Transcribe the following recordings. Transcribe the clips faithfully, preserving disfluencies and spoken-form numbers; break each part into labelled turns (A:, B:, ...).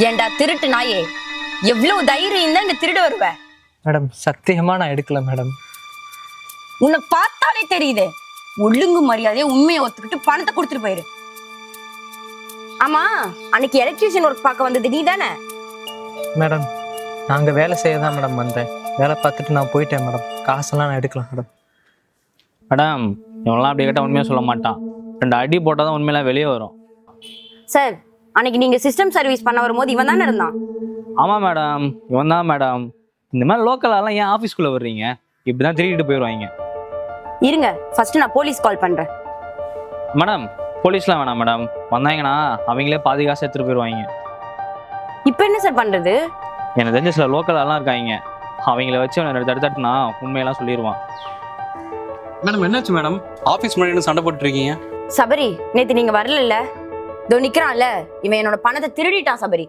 A: ஏண்டா திருட்டு நாயே, எவ்வளவு தைரியம் தான் இங்க திருட வருவ?
B: மேடம் சத்தியமா நான் எடுக்கல மேடம்.
A: உன்னை பார்த்தாலே தெரியுது. ஒழுங்கு மரியாதையா உண்மையை ஒத்துக்கிட்டு பணத்தை கொடுத்துட்டு போயிரு. ஆமா, அன்னைக்கு எலக்ட்ரீஷியன் ஒர்க் பார்க்க வந்தது நீ தானே?
B: மேடம் நாங்க வேலை செய்ய தான் மேடம் வந்தேன். வேலை பார்த்துட்டு நான் போயிட்டேன் மேடம். காசெல்லாம் நான் எடுக்கலாம் மேடம்.
C: மேடம் இவனெல்லாம் அப்படி கேட்டால் உண்மையாக சொல்ல மாட்டான். ரெண்டு அடி போட்டால் தான் உண்மையெல்லாம் வெளியே வரும்.
A: சார், அன்னைக்கு நீங்க சிஸ்டம் சர்வீஸ் பண்ண வரும்போது இவன் தானே இருந்தான்?
C: ஆமாம் மேடம், இவன் தான் மேடம். இந்த மாதிரி லோக்கலாலாம் ஏன் ஆஃபீஸ்குள்ளே வர்றீங்க? இப்படி தான் திருடிட்டு போயிடுவாங்க.
A: இருங்க, ஃபர்ஸ்ட் நான் போலீஸ் கால் பண்றேன்.
C: மேடம் போலீஸ்லாம் வேணாம் மேடம். வந்தாங்கன்னா அவங்களே பாதி காசு எடுத்துகிட்டு போயிடுவாங்க.
A: இப்போ என்ன சார் பண்றது?
C: எனக்கு தெரிஞ்ச சில லோக்கலாலாம் இருக்காங்க. அவங்கள வச்சு அவனை தடுத்தட்டுனா உண்மையெல்லாம் சொல்லிடுவான்.
D: மேடம் என்னாச்சு மேடம்? ஆஃபீஸ் முன்னாடி சண்டை போட்டு இருக்கீங்க?
A: சபரி, நேத்து நீங்க வரல? இதோ நிக்கிறான்ல, இவன் என்னோட பணத்தை திருடிட்டான் சபரி.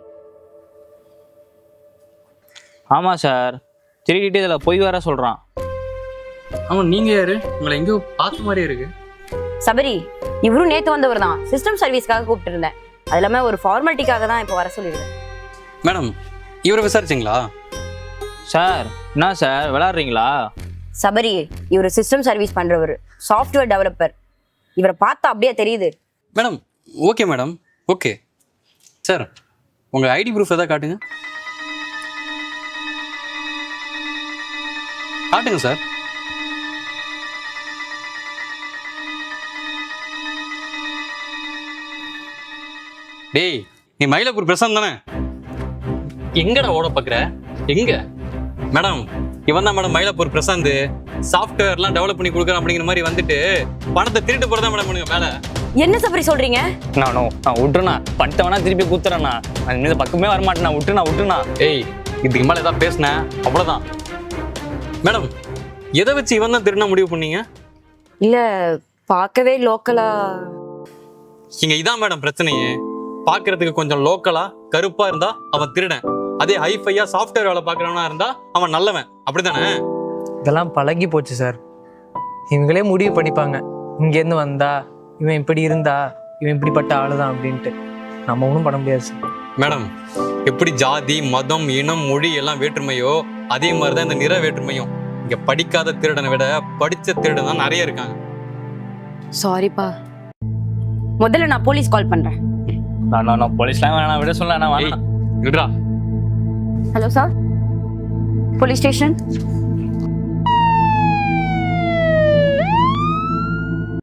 C: ஆமாம் சார், திருடிட்டு இதில் பொய் வேற சொல்கிறான்.
D: ஆமாம், நீங்கள் யாரு? உங்களை எங்கேயோ பார்த்த மாதிரியே இருக்கு.
A: சபரி, இவரும் நேத்து வந்தவர் தான். சிஸ்டம் சர்வீஸ்க்காக கூப்பிட்டு இருந்தேன். அது இல்லாம ஒரு ஃபார்மாலிட்டிக்காக தான் இப்போ வர சொல்லியிருக்கேன்.
D: மேடம் இவரை விசாரிச்சிங்களா?
C: சார் என்ன சார் விளாட்றீங்களா?
A: சபரி, இவர் சிஸ்டம் சர்வீஸ் பண்றவர், சாஃப்ட்வேர் டெவலப்பர். இவரை பார்த்தா அப்படியே தெரியுது.
D: Madam okay madam, okay. Sir உங்கள் ஐடி ப்ரூஃப் எதாவது காட்டுங்க. காட்டுங்க சார். டேய், நீ மயிலாப்பூர் பிரசாந்த் தானே? எங்கடா ஓட பார்க்குற? எங்க? மேடம் இவன் தான் மேடம் மயிலாப்பூர் பிரசாந்த். சாஃப்ட்வேர்லாம் டெவலப் பண்ணி கொடுக்குறேன் அப்படிங்கிற மாதிரி வந்துட்டு பணத்தை திருட்டு போறதா மேடம் பண்ணுங்க மேலே.
A: என்ன சபரி சொல்றீங்க?
C: நானோ நான் விட்டுருண்ணா, பண்ணிட்டவனா திருப்பி கூத்துறேண்ணா. நான் இந்த பக்கமே வரமாட்டேண்ணா. விட்டுண்ணா விட்டுண்ணா.
D: ஏய், இதுக்கு மேலே ஏதாவது பேசினேன் அவ்வளோதான். மேடம் எதை வச்சு இவன் தான் திருடினா முடிவு பண்ணீங்க?
A: இல்ல, பார்க்கவே லோக்கலா.
D: இங்க இதான் மேடம் பிரச்சனையே. பார்க்கறதுக்கு கொஞ்சம் லோக்கலா கருப்பா இருந்தா அவன் திருடன். அதே ஹைஃபையா சாஃப்ட்வேர் வேலை பார்க்கறவனா இருந்தா அவன் நல்லவன். அப்படித்தானே?
B: இதெல்லாம் பழகி போச்சு சார். இவங்களே முடிவு பண்ணிப்பாங்க, இங்கேருந்து வந்தா இவன் இப்படி இருந்தா இவன் இப்படிப்பட்ட ஆளு தான் அப்படின்ட்டு. நம்ம ஒன்றும் பண்ண முடியாது சார்.
D: மேடம் எப்படி ஜாதி மதம் இனம் மொழி எல்லாம் வேற்றுமையோ அதே மாதிரிதான் இந்த நிற வேற்றுமையும். இங்க படிக்காத திருடனை விட படிச்ச திருடன் தான் நிறைய இருக்காங்க.
A: சாரிப்பா, முதல்ல நான் போலீஸ் கால் பண்றேன்.
C: நான் நான் போலீஸ்லாம் வேணாம், விட சொல்ல
D: ஏய், விடுடா.
A: Hello sir, police station.